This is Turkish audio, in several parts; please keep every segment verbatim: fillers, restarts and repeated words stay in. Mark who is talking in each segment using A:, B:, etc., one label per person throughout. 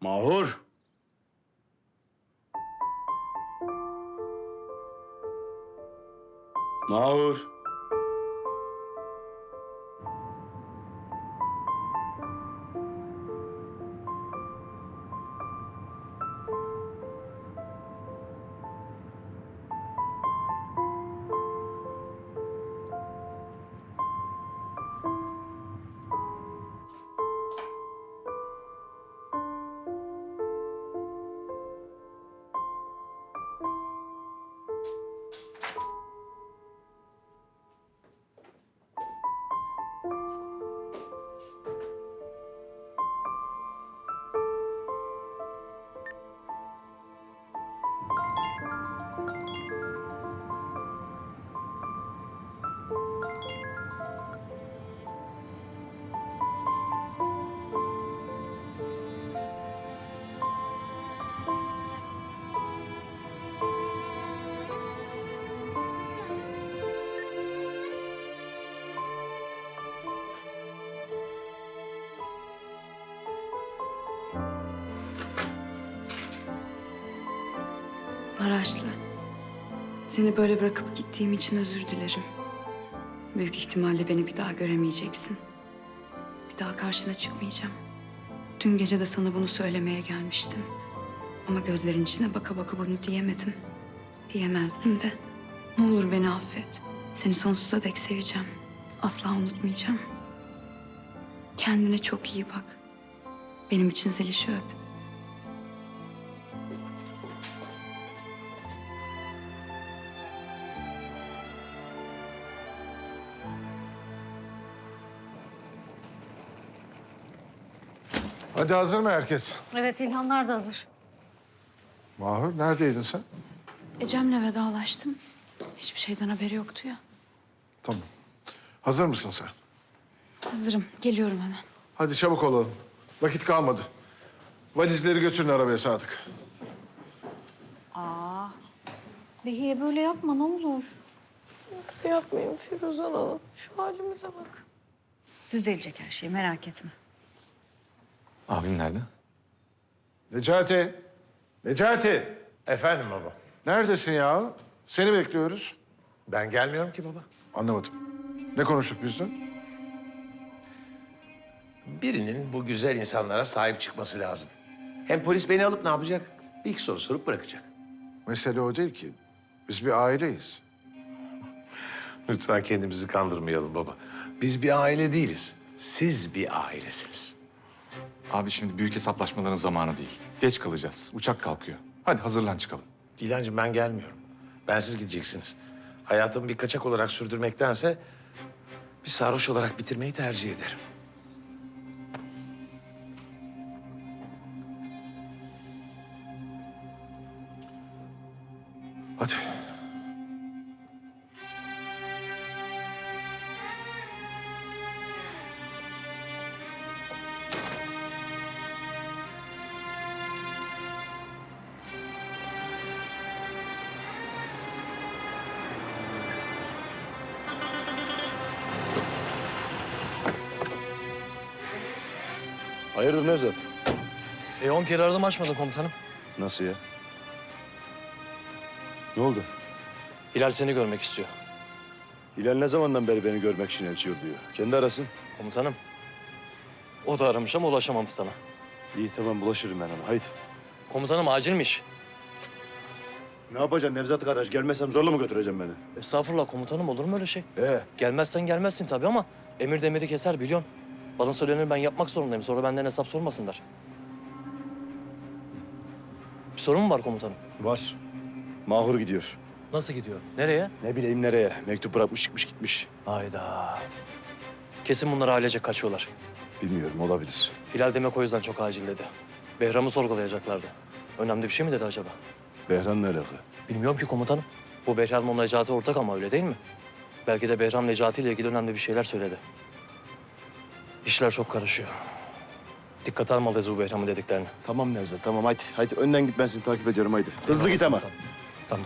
A: Mahur. Mahur.
B: Maraşlı, seni böyle bırakıp gittiğim için özür dilerim. Büyük ihtimalle beni bir daha göremeyeceksin. Bir daha karşına çıkmayacağım. Dün gece de sana bunu söylemeye gelmiştim. Ama gözlerin içine baka baka bunu diyemedim. Diyemezdim de. Ne olur beni affet. Seni sonsuza dek seveceğim. Asla unutmayacağım. Kendine çok iyi bak. Benim için Zeliş'i öp.
C: Hadi hazır mı herkes?
D: Evet, İlhanlar da hazır.
C: Mahur neredeydin sen?
B: Ecem'le vedalaştım. Hiçbir şeyden haberi yoktu ya.
C: Tamam. Hazır mısın sen?
B: Hazırım. Geliyorum hemen.
C: Hadi çabuk olalım. Vakit kalmadı. Valizleri götürün arabaya Sadık.
D: Behiye böyle yapma ne olur.
E: Nasıl yapmayayım Firuzan Hanım? Şu halimize bak.
D: Düzelecek her şey, merak etme.
F: Abim nerede?
C: Necati. Necati.
G: Efendim baba.
C: Neredesin ya? Seni bekliyoruz.
G: Ben gelmiyorum ki baba.
C: Anlamadım. Ne konuştuk biz dün?
G: Birinin bu güzel insanlara sahip çıkması lazım. Hem polis beni alıp ne yapacak? Bir iki soru sorup bırakacak.
C: Mesele o değil ki. Biz bir aileyiz.
G: Lütfen kendimizi kandırmayalım baba. Biz bir aile değiliz. Siz bir ailesiniz.
F: Abi şimdi büyük hesaplaşmaların zamanı değil. Geç kalacağız. Uçak kalkıyor. Hadi hazırlan çıkalım.
G: İlancığım ben gelmiyorum. Bensiz gideceksiniz. Hayatımı bir kaçak olarak sürdürmektense bir sarhoş olarak bitirmeyi tercih ederim.
C: Hadi.
H: Hayırdır Nevzat?
I: E on kere aradım açmadın komutanım.
H: Nasıl ya? Ne oldu?
I: Hilal seni görmek istiyor.
H: Hilal ne zamandan beri beni görmek için elçi yolluyor? Kendi arasın.
I: Komutanım. O da aramış ama ulaşamamış sana.
H: İyi tamam bulaşırım ben ona. Haydi.
I: Komutanım acilmiş.
H: Ne yapacaksın Nevzat kardeş? Gelmezsem zorla mı götüreceğim beni?
I: Estağfurullah komutanım olur mu öyle şey?
H: Ee,
I: Gelmezsen gelmezsin tabii ama emir demiri keser biliyorsun. Bana söylenir ben yapmak zorundayım. Sonra benden hesap sormasınlar. Bir sorun mu var komutanım?
H: var. Mahur gidiyor.
I: Nasıl gidiyor? Nereye?
H: Ne bileyim nereye? Mektup bırakmış çıkmış gitmiş.
I: Hayda. Kesin bunlar ailece kaçıyorlar.
H: Bilmiyorum olabilir.
I: Hilal demek o yüzden çok acil dedi. Behram'ı sorgulayacaklardı. Önemli bir şey mi dedi acaba?
H: Behran'la alakalı.
I: Bilmiyorum ki komutanım. Bu Behram'la Necati ortak ama öyle değil mi? Belki de Behram Necati ile ilgili önemli bir şeyler söyledi. İşler çok karışıyor. Dikkat almalıyız bu Behram'ın dediklerini.
H: Tamam Nevzat tamam haydi. Haydi önden git ben seni takip ediyorum haydi. Hızlı git ama.
I: Tamam. Tamam.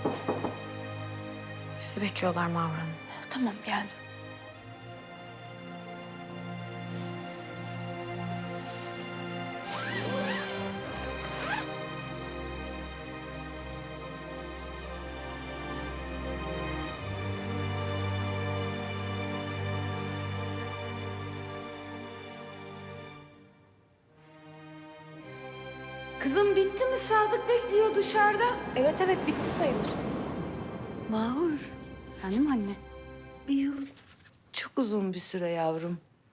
E: Sizi bekliyorlar Mavra Hanım.
B: Tamam geldim. Kızım bitti mi? Sadık bekliyor dışarıda.
D: Evet evet bitti sayılır.
B: Mahur,
D: Efendim anne?
B: bir yıl çok uzun bir süre yavrum.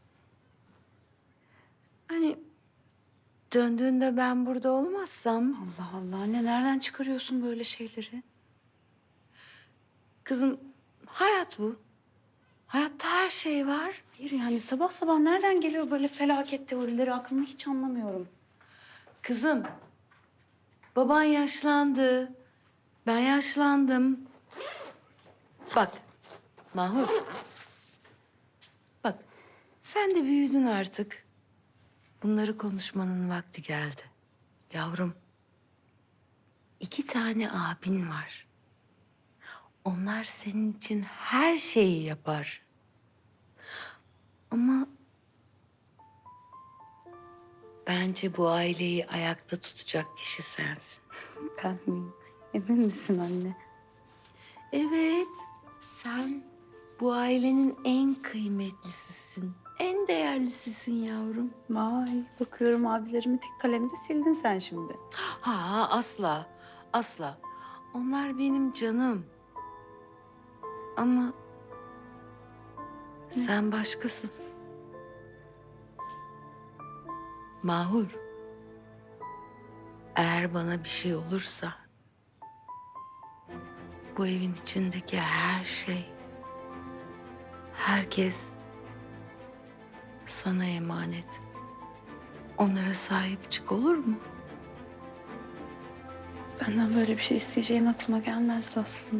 B: Hani döndüğünde ben burada olmazsam... Allah Allah anne nereden çıkarıyorsun böyle şeyleri? Kızım hayat bu. Hayatta her şey var.
D: Hayır yani sabah sabah nereden geliyor böyle felaket teorileri aklımda hiç anlamıyorum.
B: Kızım, baban yaşlandı. Ben yaşlandım. Bak, Mahur. Bak, sen de büyüdün artık. Bunları konuşmanın vakti geldi. Yavrum, iki tane abin var. Onlar senin için her şeyi yapar. Ama bence bu aileyi ayakta tutacak kişi sensin.
D: Ben miyim? Emin misin anne?
B: Evet, sen bu ailenin en kıymetlisisin. En değerlisisin yavrum.
D: Vay bakıyorum abilerimi tek kalemde sildin sen şimdi.
B: Ha asla, asla. Onlar benim canım. Ama sen başkasın. Mahur. Eğer bana bir şey olursa bu evin içindeki her şey, herkes sana emanet. Onlara sahip çık olur mu?
D: Benden böyle bir şey isteyeceğin aklıma gelmezdi aslında.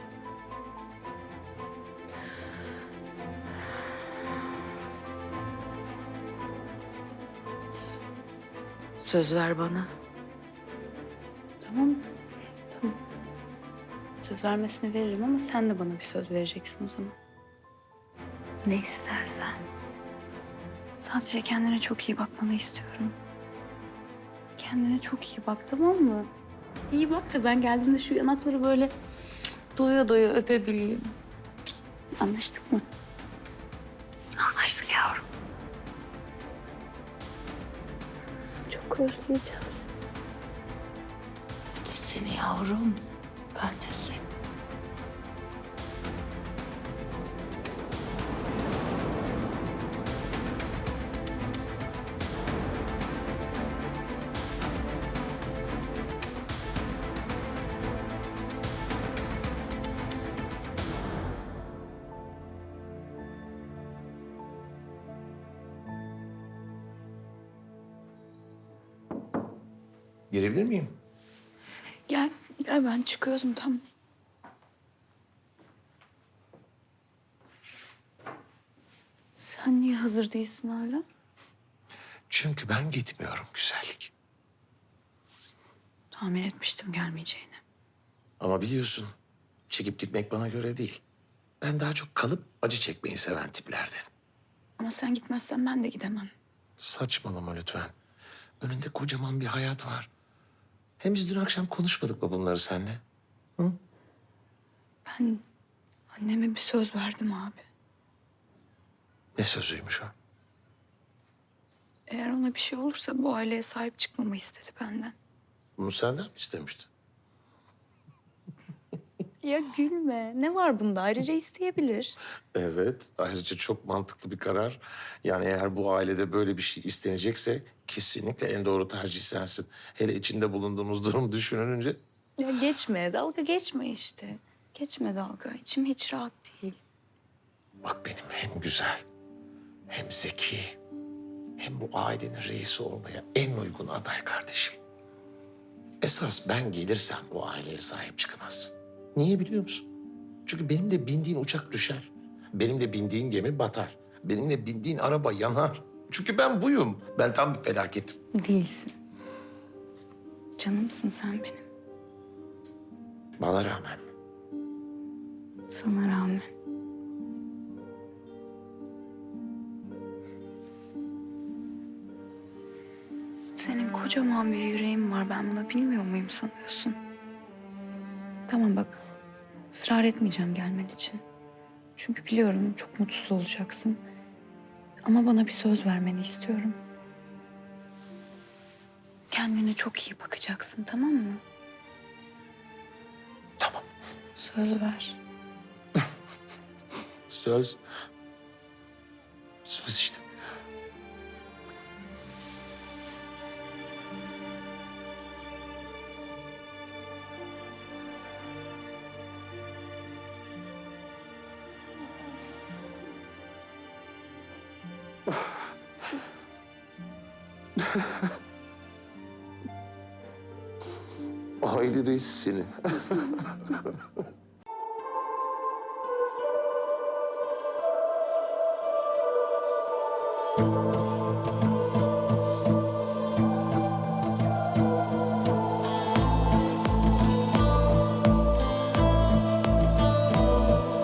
B: Söz ver bana.
D: Tamam. Tamam. Söz vermesini veririm ama sen de bana bir söz vereceksin o zaman.
B: Ne istersen.
D: Sadece kendine çok iyi bakmanı istiyorum. Kendine çok iyi bak tamam mı? İyi bak da ben geldiğimde şu yanakları böyle doya doya öpebileyim. Anlaştık mı?
B: Anlaştık yavrum.
D: Çok özleyeceğim.
B: Ben de seni yavrum. Ben de seni.
G: Girebilir miyim?
D: Gel, gel ben çıkıyorum tamam. Sen niye hazır değilsin hala?
G: Çünkü ben gitmiyorum güzellik.
D: Tahmin etmiştim gelmeyeceğini.
G: Ama biliyorsun çekip gitmek bana göre değil. Ben daha çok kalıp acı çekmeyi seven tiplerden.
D: Ama sen gitmezsen ben de gidemem.
G: Saçmalama lütfen. Önünde kocaman bir hayat var. Hem biz dün akşam konuşmadık mı bunları seninle?
D: Ben anneme bir söz verdim abi.
G: Ne sözüymüş o?
D: Eğer ona bir şey olursa bu aileye sahip çıkmamı istedi benden.
G: Bunu senden mi istemişti?
D: Ya gülme. Ne var bunda? Ayrıca isteyebilir.
G: Evet, ayrıca çok mantıklı bir karar. Yani eğer bu ailede böyle bir şey istenecekse kesinlikle en doğru tercih sensin. Hele içinde bulunduğumuz durum düşünülünce.
D: Ya geçme. Dalga geçme işte. Geçme dalga. İçim hiç rahat değil.
G: Bak benim hem güzel, hem zeki, hem bu ailenin reisi olmaya en uygun aday kardeşim. Esas ben gelirsem bu aileye sahip çıkamazsın. Niye biliyor musun? Çünkü benim de bindiğin uçak düşer. Benim de bindiğin gemi batar. Benim de bindiğin araba yanar. Çünkü ben buyum. Ben tam bir felaketim.
D: Değilsin. Canımsın sen benim.
G: Bana rağmen
D: Sana rağmen. Senin kocaman bir yüreğin var. Ben bunu bilmiyor muyum sanıyorsun? Tamam bak. Israr etmeyeceğim gelmen için. Çünkü biliyorum çok mutsuz olacaksın. Ama bana bir söz vermeni istiyorum. Kendine çok iyi bakacaksın, tamam mı?
G: Tamam.
D: Söz ver.
G: Söz. Söz işte. Aile reis seni.